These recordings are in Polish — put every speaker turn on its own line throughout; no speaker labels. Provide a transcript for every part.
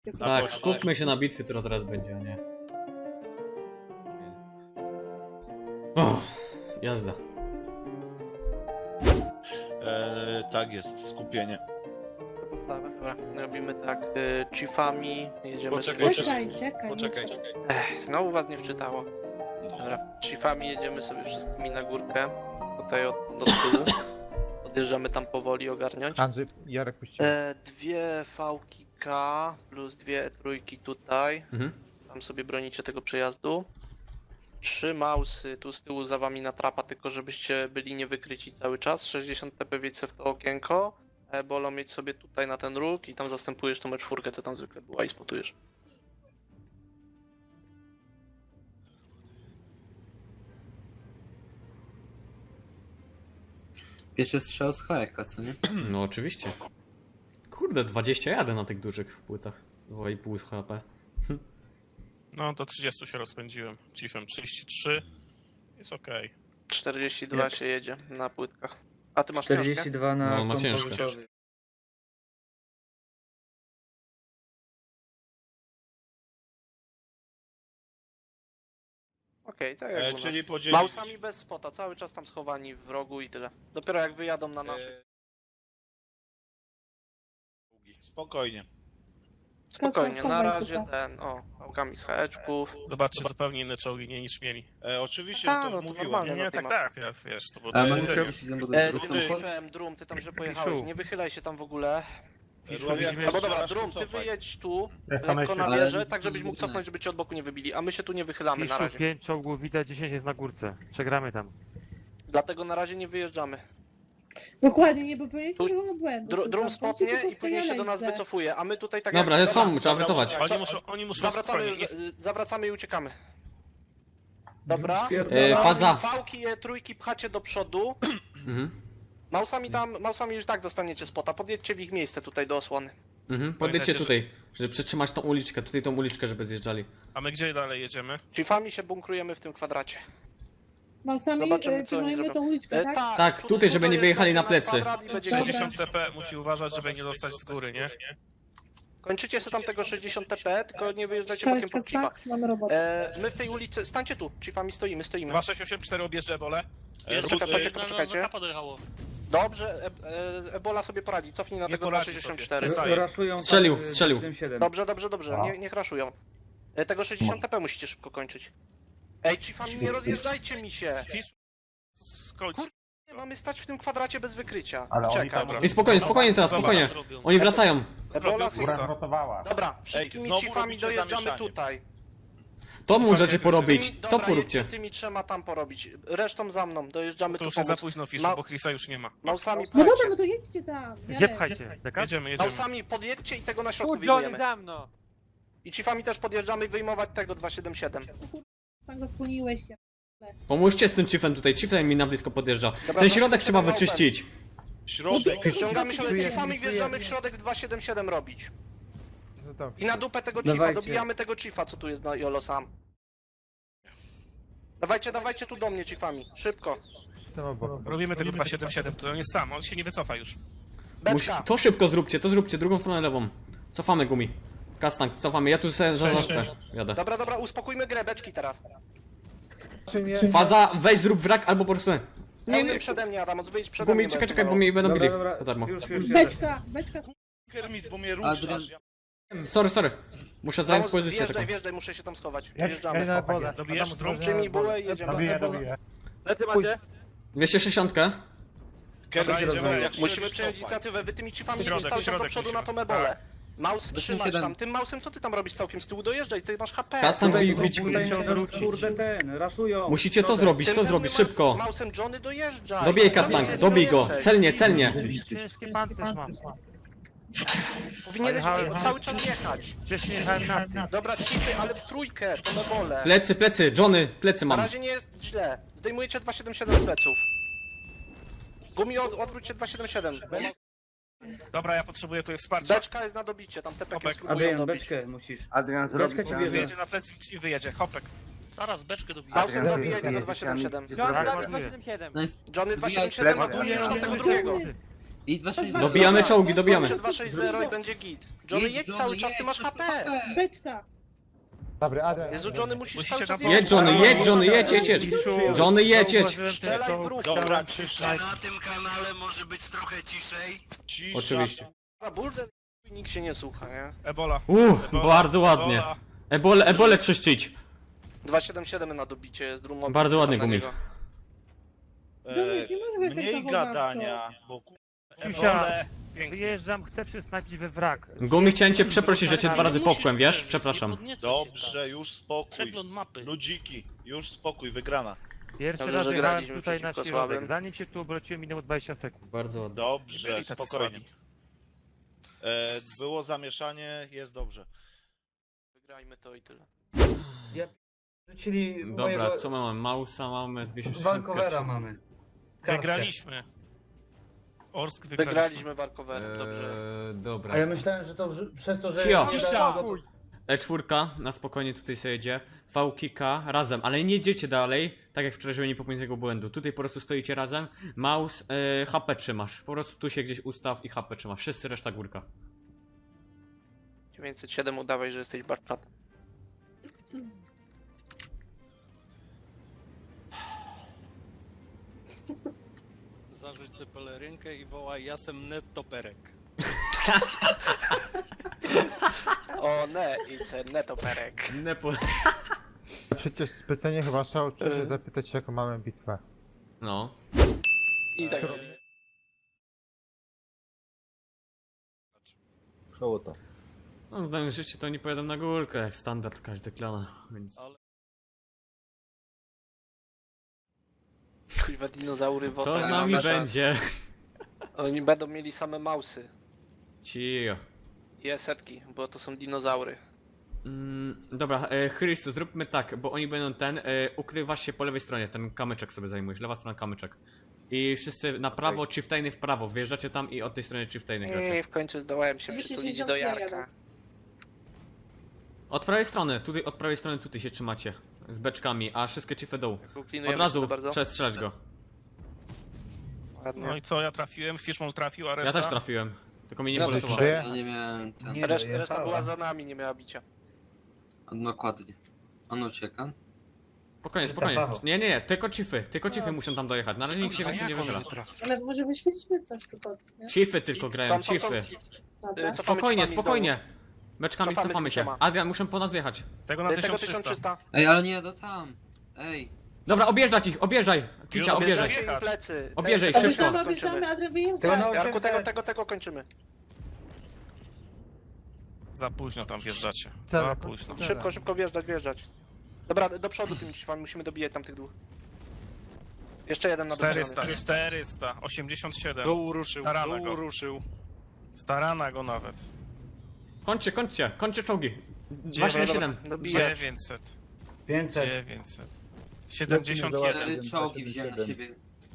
Tak, skupmy się na bitwie, która teraz będzie, a nie. O, jazda.
Tak jest, skupienie.
Postawę, dobra. Robimy tak, chiefami, jedziemy
Poczekaj,
sobie...
Poczekaj.
Znowu was nie wczytało. Dobra, chiefami jedziemy sobie wszystkimi na górkę. Tutaj do tyłu. Podjeżdżamy tam powoli ogarniać.
Andrzej, Jarek puścił.
Dwie fałki K plus dwie trójki tutaj. Tam sobie bronicie tego przejazdu. 3 mausy tu z tyłu za wami na trapa, tylko żebyście byli niewykryci cały czas. 60 TP wiedź se w to okienko. Bolo mieć sobie tutaj na ten róg i tam zastępujesz tą czwórkę, co tam zwykle była i spotujesz.
Pierwszy strzał z HK, co nie?
No oczywiście. Kurde, 21 na tych dużych płytach. 2,5 HP.
No to 30 się rozpędziłem. Chiefem 33. Jest okej.
42 się jedzie na płytkach. A ty masz książkę?
42 na
No, on ma ciężko.
kompozytowy.
Okej, tak jak u nas.
Czyli podzielić...
Mausami bez spota, cały czas tam schowani w rogu i tyle. Dopiero jak wyjadą na naszych.
Spokojnie.
Spokojnie, na razie ten, pałkami z haeczków.
Zobaczcie, zupełnie inne czołgi nie niż mieli.
Oczywiście,
Ta,
to
no to
mówiłem.
normalne.
Nie,
no
tak,
ty
tak, ja, wiesz, to było
Ale
to
mam
jedzenie.
musiał bo to jest
Chiefem, Drum, ty tam że pojechałeś, nie wychylaj się tam w ogóle.
Widzimy,
No bo dobra,
zaraz
Drum, ty
cofaj.
wyjedź tu,
Jestem
lekko na
Ale-
wieżę, tak żebyś mógł cofnąć, żeby cię od boku nie wybili, a my się tu nie wychylamy na
Piszu,
razie.
5 czołgów widać, 10 jest na górce. Przegramy tam.
Dlatego na razie nie wyjeżdżamy.
Dokładnie, nie popełnić
Tu-
żadnego błędu.
Drum spotnie i później się do nas wycofuje, a my tutaj tak
Dobra,
jak...
ale są, trzeba wycofać.
Oni muszą
Zawracamy,
spokojnie.
zawracamy i uciekamy. Dobra.
Faza.
Fałki, trójki pchacie do przodu. Mausami już tak dostaniecie spota. Podjedźcie w ich miejsce tutaj do osłony.
Podjedźcie
Pamiętajcie,
tutaj, żeby przetrzymać tą uliczkę, tutaj tą uliczkę, żeby zjeżdżali.
A my gdzie dalej jedziemy?
Chiefami się bunkrujemy w tym kwadracie.
Mausami
Zobaczymy, co oni
pilnujemy
zrobią.
tą uliczkę, tak?
Tak, tutaj, żeby nie wyjechali na plecy.
kwadrat i będzie
60 TP musi uważać, żeby nie dostać z góry, nie?
Kończycie sobie tam tego 60 TP, tylko nie wyjeżdżajcie bokiem
Sześć
pod Chiefa.
tak? Mamy robotę.
My w tej ulicy, stańcie tu, Chiefami stoimy.
2684 objeżdżę wolę.
Poczekajcie. Dobrze, Ebola sobie poradzi, cofnij na
Nie
tego
poradzi
264.
sobie. Staje.
Raszują
Strzelił,
tak,
strzelił.
77.
Dobrze, nie raszują. Tego 60 TP musicie szybko kończyć. Ej, Chiefami, nie rozjeżdżajcie mi się!
Fisz... Skończ.
Nie, mamy stać w tym kwadracie bez wykrycia.
Ale
Czekam.
dobra.
I spokojnie teraz,
Zobacz.
spokojnie. Oni wracają.
Ebola,
Zrobił Fisa.
Tak.
wszystkimi
znowu
Chiefami
robicie
dojeżdżamy
zamieszanie.
tutaj.
To możecie porobić,
Dobra,
to poróbcie.
jedźcie tymi trzema tam porobić. Resztą za mną, dojeżdżamy
To
tu
już jest za
pomóc.
późno, Fiszu,
Ma-
bo Chrisa już nie ma.
Mausami
No dobra,
pchajcie.
no to jedźcie tam.
Gdzie pchajcie? Deka?
Jedziemy.
Mausami podjedźcie i tego na środku wyjmujemy.
za mną!
I Chiefami też podjeżdżamy i wyjmować tego 277.
Tak zasłoniłeś się.
Pomóżcie z tym chiefem tutaj, chiefem mi na blisko podjeżdża.
Dobra,
Ten środek
277
trzeba
open.
wyczyścić.
Środek.
Ściągamy się Chiefami, wjeżdżamy w środek 277 robić. I na dupę tego Chiefa,
Dawajcie.
dobijamy tego Chiefa, co tu jest na Jolo sam. Dawajcie tu do mnie Chiefami, szybko.
Robimy tego 277, to on jest sam, on się nie wycofa już.
Beczka.
To szybko zróbcie, drugą stronę lewą. Cofamy gumi. Kastank, cofamy, ja tu sobie zaspę. Jadę.
Dobra, uspokójmy grę, beczki teraz.
Faza, weź zrób wrak albo po prostu...
Nie przede mnie, Adam, wyjdź przede mnie.
Gumi, czekaj, bo mnie będą
Dobra,
bili.
dobra,
Za darmo.
już jadę.
Beczka.
Kermit, bo mnie
Adrian.
ruszasz.
Sorry. Muszę zająć pozycję taką.
Wjeżdżaj, muszę się tam schować. Wjeżdżamy.
Dobijesz drum?
Przyjmij bułę i jedziemy.
Lecy macie?
260.
Kermit,
jedziemy.
jak
Musimy
się
przejąć
cofaj.
inicjatywę, wy tymi Chiefami
Środek,
cały czas do
środek
przodu na
musimy.
tą ebolę.
Tak.
Maus trzymasz
7.
tam, tym mausem co ty tam robisz całkiem z tyłu? Dojeżdżaj, ty masz HP.
Kastank
Tutaj
bić.
kurde ten, raszują.
Musicie to zrobić,
Tym
to
pełnym
zrobić, szybko.
Mausem Johnny dojeżdżaj.
Dobij
Tam
Kastank,
jesteś,
dobij go.
jesteś.
Celnie.
Ciężki pancerz mam.
Powinieneś
Jechałem na-
cały czas jechać.
Wcześniej jechałem na tym.
Dobra, Chiefy, ale w trójkę, to na bolę.
Plecy, Johnny, plecy
Na
mam.
razie nie jest źle. Zdejmujecie 277 z pleców. Gumi, odwróćcie 277.
Dobra, ja potrzebuję tutaj wsparcia.
Beczka jest na dobicie, tam te peki
Hopek.
spróbują
Adrian,
dobić.
beczkę musisz.
Adrian zrobi
Beczka ci
plan.
bierze.
Wyjedzie na plecy i wyjedzie. Hopek.
Zaraz beczkę dobiję.
Mausem
Adrian,
dobije
ty
tego
jedziesz,
277.
Johnny,
Tak,
zrobię.
ładuję.
No jest...
Johnny
Wbijaj
277
plecy.
ładuje już tam tego
Johnny.
drugiego.
I 260.
Dobijamy czołgi, dobijamy.
260 i będzie git. Johnny, jedź cały czas, ty masz HP.
Beczka.
Dobry, Adrian.
Jezu, Johnny, musisz
Musicie
cały czas
na
Jedź Johnny, jedź Johnny, jedź, jedź, jedź. Johnny, jedź, jedź.
Strzelaj w ruch.
Dobra, cisza.
Na tym kanale może być trochę ciszej.
Cisza.
Oczywiście.
Na burdę nikt się nie słucha, nie?
Ebola.
Bardzo ładnie. Ebole czyścić.
277 na dobicie z drumą.
Bardzo ładnie, Gumi.
Johnny, nie może być tak
Mniej
zachowawczo.
gadania, bo
Ciusia,
Pięknie.
wyjeżdżam, chcę przysnapić we wrak.
Gumi, chciałem cię przeprosić, że cię 2 razy popchłem, wiesz? Przepraszam.
dobrze, już spokój.
Przegląd mapy.
Ludziki, już spokój, wygrana.
Pierwszy
Dobrze,
raz
że
jechałem
graliśmy
tutaj na
przeciwko
środek.
słabym.
Zanim się tu obróciłem, minęło 20 sekund.
Bardzo ładnie.
Dobrze,
Byli tacy
spokojnie.
słabi.
Było zamieszanie, jest dobrze.
Wygrajmy to i tyle.
Rzucili
Dobra, co my mamy? Mausa mamy, 260.
Vancouver'a mamy.
Wygraliśmy. Orsk wygraliśmy.
Wygraliśmy Warkowerem, dobrze.
A ja myślałem, że to przez to, że...
Cio.
nie dało go-
E4 na spokojnie tutaj sobie jedzie. V-Kika razem, ale nie jedziecie dalej, tak jak wczoraj, żeby nie popełnić tego błędu. Tutaj po prostu stoicie razem, mouse, HP trzymasz. Po prostu tu się gdzieś ustaw i HP trzymasz. Wszyscy reszta górka.
907 udawaj, że jesteś barczatem.
Zarzuć sobie pelerynkę i wołaj jasem netoperek.
O ne, i ten netoperek.
Nepo...
Przecież specjalnie chyba szał, czy się zapytać, jaką mamy bitwę.
No.
I tak.
Przełoto.
No, zdaniem życie to nie pojadę na górkę, jak standard każdy klana, więc...
Kuźwa dinozaury
Co z
wodne,
nami
mamy szans.
będzie?
Oni będą mieli same mausy.
Cio.
I setki, bo to są dinozaury.
Dobra, Chrystu, zróbmy tak, bo oni będą ukrywasz się po lewej stronie, ten kamyczek sobie zajmujesz, lewa strona kamyczek. I wszyscy na prawo, chieftainy w prawo, wjeżdżacie tam i od tej strony chieftainy gracie.
I w końcu zdołałem się
260
przytulić do Jarka.
jadę.
Od prawej strony, tutaj się trzymacie, z beczkami, a wszystkie chiefy dołu.
Klinujemy
Od razu
się bardzo.
przestrzelać go.
Ładnie.
No i co, ja trafiłem, Fishmon trafił, a
Ja
reszta?
też trafiłem, tylko mi nie
Ja
polesowało.
Żyje?
Ja nie miałem ten.
Nie,
Reszta
dojechała.
była za nami, nie miała bicia.
Dokładnie. On ucieka.
Spokojnie.
Paweł.
Nie, tylko chiefy muszą tam dojechać, na razie nikt się więcej nie wychyla.
Ale może wyświetlimy coś tu pod, nie?
Chiefy tylko grają, chiefy.
Dobra.
Spokojnie,
Cofamy
spokojnie. Beczkami
Cofamy
cofamy się.
tysiąca.
Adrian, muszę po nas wjechać.
Tego na
Tego
1300.
1300.
Ej, ale nie do tam. Ej.
Dobra, objeżdżać ich, objeżdżaj! Kicia,
Już
objeżdżaj.
objeżdżaj.
Im plecy.
Obierzej,
Tego
szybko.
Objeżdżamy,
kończymy.
objeżdżamy, Adrian
Tego na
wyjeżdża.
Jarku, tego kończymy.
Za późno tam wjeżdżacie.
Cele.
Za późno.
Szybko wjeżdżać. Dobra, do przodu tymi drzwiami musimy dobijać tamtych dwóch. Jeszcze jeden na
400, 87.
Dół ruszył,
Starana
dół
go.
ruszył.
Starana go nawet.
Kończcie czołgi. 277.
Dobijać.
900.
500.
900. 71.
4 czołgi wziąłem na siebie.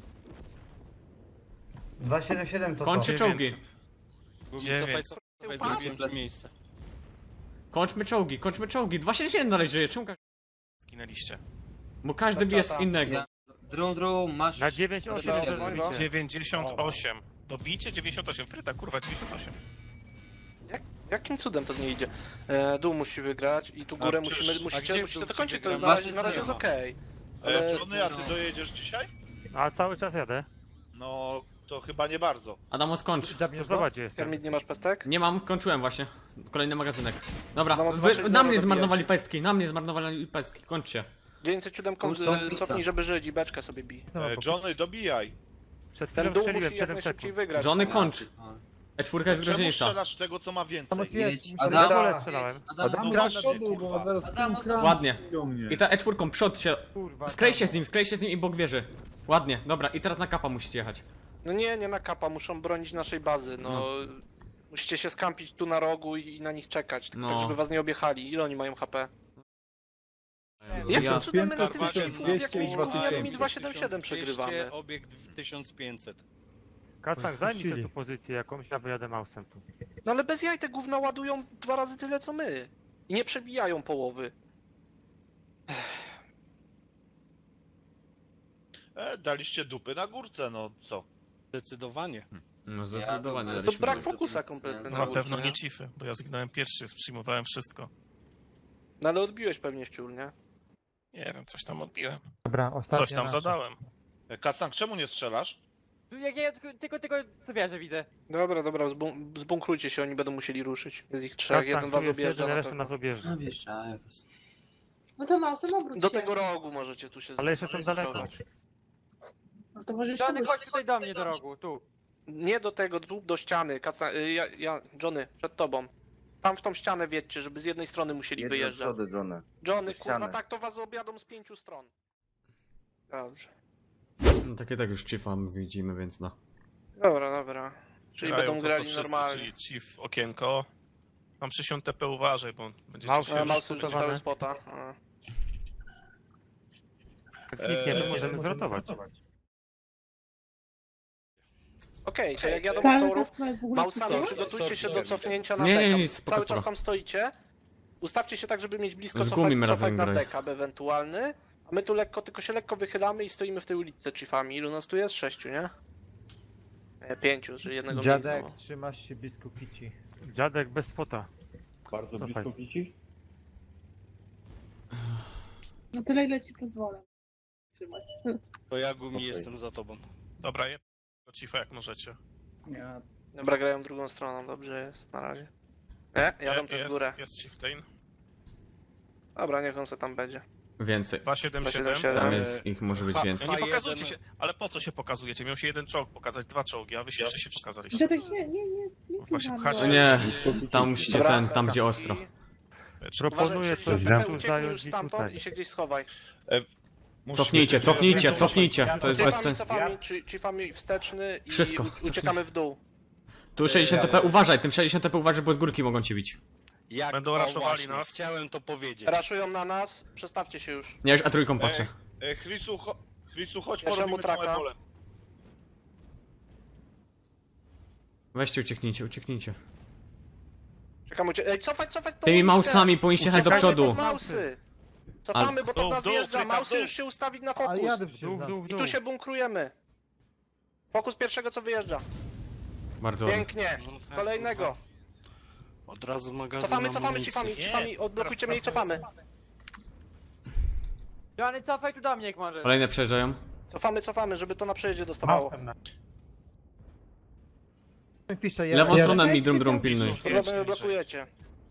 277 to
Kończy
to.
czołgi.
900.
Zrobiłem ci miejsce.
Kończmy czołgi. 277 dalej żyje, czemu
Zginęliście.
Bo każdy bije z
Czata.
innego.
Ja... Drum, masz...
Na 9-8
Dobra,
do
dobra.
zbicia.
98. Dobicie 98. Fryta, kurwa, 98.
Jakim cudem to nie idzie? Dół musi wygrać i tu górę
przecież-
musicie to dokończyć, to jest
wygramy?
na razie jest okej. Ale
Żony, a ty dojedziesz dzisiaj?
A cały czas jadę.
No, to chyba nie bardzo.
Adamo, skończ.
To
Zabierz go?
zobacz, gdzie jestem.
Kermit, nie masz pestek?
Nie mam, kończyłem właśnie. Kolejny magazynek. Dobra,
No,
wy,
260
na mnie
dobijać.
zmarnowali pestki, kończcie.
907
Kurczę,
cofnij, żeby żyć i beczkę sobie bij.
Johnny, dobijaj.
Przed
Ten
chwilą
dół
strzeliłem
musi jak
7
najszybciej
sekund.
wygrać.
Johnny, kończ. E4 jest
Czemu
groźniejsza.
strzelasz tego, co ma więcej?
Tam
Jedź,
jest,
Adam,
Dole strzelałem.
Adam,
No
Adam,
właśnie, kurwa.
Adam,
Ładnie. I ta E4 przód się...
kurwa.
Sklej się z nim i bok wieży. Ładnie, dobra, i teraz na kapa musicie jechać.
No nie na kapa, muszą bronić naszej bazy, no. Musicie się skampić tu na rogu i na nich czekać,
No.
tak żeby was nie objechali. Ile oni mają HP?
Ja-
Jakim cudem my na tym
500,
z jakimiś
200,
gównianymi 277 przegrywamy?
1200, obiekt 1500.
Kastan, zajmij sobie tu pozycję jakąś, ja wyjadę mausem tu.
No ale bez jaj te gówna ładują 2 razy tyle co my. I nie przebijają połowy.
Daliście dupy na górce, no co?
Zdecydowanie.
No zdecydowanie
Ja
To
daliśmy.
brak fokusa kompletny
No
na
na pewno
górce,
nie cify, bo ja zginąłem pierwszy, przyjmowałem wszystko.
No ale odbiłeś pewnie wciół, nie?
Nie wiem, coś tam odbiłem.
Dobra, ostatnia
Coś tam
nasza.
zadałem.
Kacang, czemu nie strzelasz?
Jak ja tylko co wierzę widzę.
Dobra, zbunkrujcie się, oni będą musieli ruszyć. Jest ich trzech, jeden
Kastan,
was
tu jest
objeżdża
jeden,
na
reszta
pewno.
nas objeżdża.
No wiesz, ja was.
No to Mausem obróć
Do
się.
tego rogu możecie tu się
Ale jeszcze są
możecie
daleko.
schować.
No to możesz
Johnny,
obrócić.
chodź tutaj do mnie do rogu, tu.
Nie do tego, tu do ściany. Johnny, przed tobą. Tam w tą ścianę wiedźcie, żeby z jednej strony musieli wyjeżdżać.
Johnny.
Johnny,
do
kurwa,
ściany.
tak to was objadą z 5 stron. Dobrze.
No takie tak już Chiefa widzimy, więc no.
Dobra. Czyli
Grają
będą
to, co
grali
wszyscy,
normalnie.
Czyli chief okienko. Mam przysiąg TP, uważaj, bo będzie
Mouse
ci
No,
się...
Mausy już
zbudowane.
dostały spota. A.
Jak znikniemy, możemy zrotować.
Okej, to jak jadą
Ta
motorów,
warstwa jest w ogóle
Mausami
pusta?
przygotujcie się do cofnięcia na
Nie,
deka.
nic, spoko,
Cały czas
spoko.
tam stoicie. Ustawcie się tak, żeby mieć blisko
Z Gumim
cofać
razem
na
graj.
backup ewentualny. A my tu tylko się lekko wychylamy i stoimy w tej ulicy chiefami. Ilu nas tu jest? 6, nie? 5, czyli jednego
Dziadek,
miejsca.
trzymasz się blisko kici.
Dziadek bez spota.
Bardzo
Cofaj.
blisko kici?
No tyle ile ci pozwolę. Trzymać.
To ja Gumi
Okej.
jestem za tobą.
Dobra, je do chiefa jak możecie.
Dobra, grają drugą stroną, dobrze jest, na razie. Nie, jadą też w górę.
Jest chieftain.
Dobra, niech on se tam będzie.
Więcej.
277.
Tam jest ich może być więcej.
No nie
Fa-
pokazujcie
jeden-
się, ale po co się pokazujecie? Miał się jeden czołg pokazać, 2 czołgi, a wy się wszyscy pokazaliście.
Dziadek, nie
Właśnie
tu
pchacie.
No nie, tam musicie
Dobra,
tam gdzie ostro.
Proponuję
Uważaj,
coś
że
tu
ucieknij
zająć
już
i
stamtąd
tutaj.
i się gdzieś schowaj.
Cofnijcie, to jest bez sensu.
Chiefami, chiefami wsteczny i
Wszystko,
uciekamy w dół.
Tu 60 TP, uważaj, tym 60 TP uważaj, bo z górki mogą cię bić.
Jak
Będą
o,
raszowali
właśnie,
nas.
Chciałem to powiedzieć.
Raszują na nas, przestawcie się już.
Ja już A3 patrzę.
Chrisu, chodź,
Bierzemy
porobimy tą
traka.
ebolę.
Weźcie, ucieknijcie.
Czekamy, ej, cofać tą
Tymi
uliczkę.
mausami powinniście jechać do
Uciekajmy
przodu.
pod mausy. Cofamy, bo
W dół,
to nas
w dół,
wjeżdża.
fryka, w
Mausy
dół.
już się ustawić na
Ale
fokus.
jadę przecież
Dół,
na...
dół,
I
dół.
tu się bunkrujemy. Fokus pierwszego, co wyjeżdża.
Bardzo ładnie.
Pięknie.
No tak,
Kolejnego.
kurwa. Od razu magazyn
Cofamy,
amunicji.
chiefami, odblokujcie mnie i cofamy.
Johnny, cofaj tu do mnie jak możesz.
Kolejne przejeżdżają.
Cofamy, żeby to na przejeździe dostawało.
Pisze,
Lewą
ja-
stronę mi drum pilnuj.
Problemy blokujecie.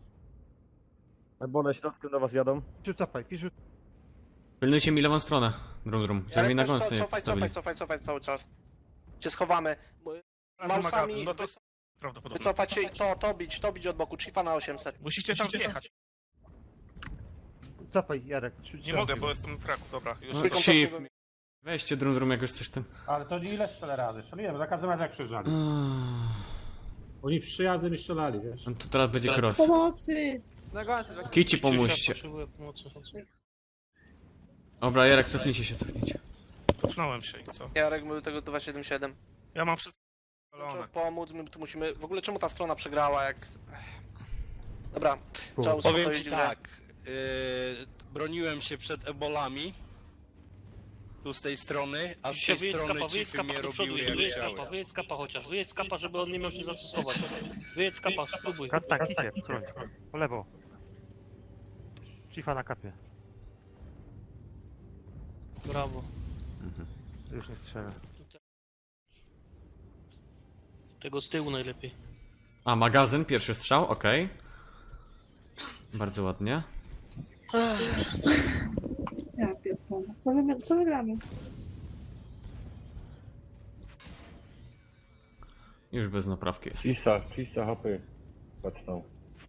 Ebole środkiem do was jadą.
Pisze, cofaj, pisze.
Pilnujcie mi lewą stronę. Drum. Żeby mi na
Ale też
gąsce nie postawili.
cofaj cały czas. Się schowamy.
Razem
Mausami
magazyn, no to prawdopodobnie.
wycofać się i to bić od boku. Chiefa na 800.
Musicie tam wjechać.
Cofaj, Jarek.
Nie mogę, bo jestem w traku, dobra. Już
No,
Trójką
Chief.
cofniemy.
Weźcie drum jakoś coś tym.
Ale to ile strzelę razy? Strzeliłem, za każdym razem jak przyjeżdżali.
Oni
w 3 jazdy mi strzelali, wiesz?
Tu teraz będzie cross.
Pomocy!
Na gąsce, tak.
Kici pomóżcie. Dobra, Jarek, cofnijcie się.
Cofnąłem się i co?
Jarek był tego 277.
Ja mam wszystko
Trzeba
spalone.
pomóc, my tu musimy... W ogóle czemu ta strona przegrała, jak... Dobra, trzeba
Powiem
uspokoić
ci
grę.
tak. Broniłem się przed ebolami. Tu z tej strony, a z tej strony chiefy mnie robiły jak chciały.
Wyjedź kapa chociaż, wyjedź kapa, żeby on nie miał się zastosować. Wyjedź kapa, spróbuj.
Kastan, kicie, broń. Po lewo. Chiefa na kapie.
Brawo.
Już nie strzelę.
Tego z tyłu najlepiej.
A, magazyn, pierwszy strzał, okej. Bardzo ładnie.
Ja pierdolę. Co my gramy?
Już bez naprawki jest.
300 HP. Patrzą.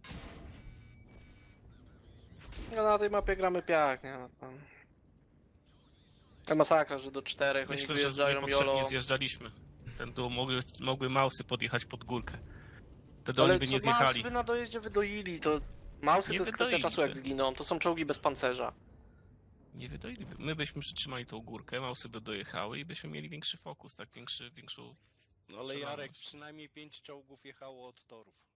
No na tej mapie gramy piach, nie? No, tam. To masakra, że do 4 oni
Myślę, że
wyjeżdżają
niepotrzebnie
jolo.
zjeżdżaliśmy. Ten dół mogły mausy podjechać pod górkę. Wtedy
Ale
oni by nie
co, mausy
zjechali.
by na dojeździe wydoili, to... Mausy
Nie
to jest kwestia
wydoili
czasu jak
by.
zginą, to są czołgi bez pancerza.
Nie wydoiliby. My byśmy przytrzymali tą górkę, mausy by dojechały i byśmy mieli większy fokus, tak? Większą...
No ale Jarek, przynajmniej 5 czołgów jechało od torów.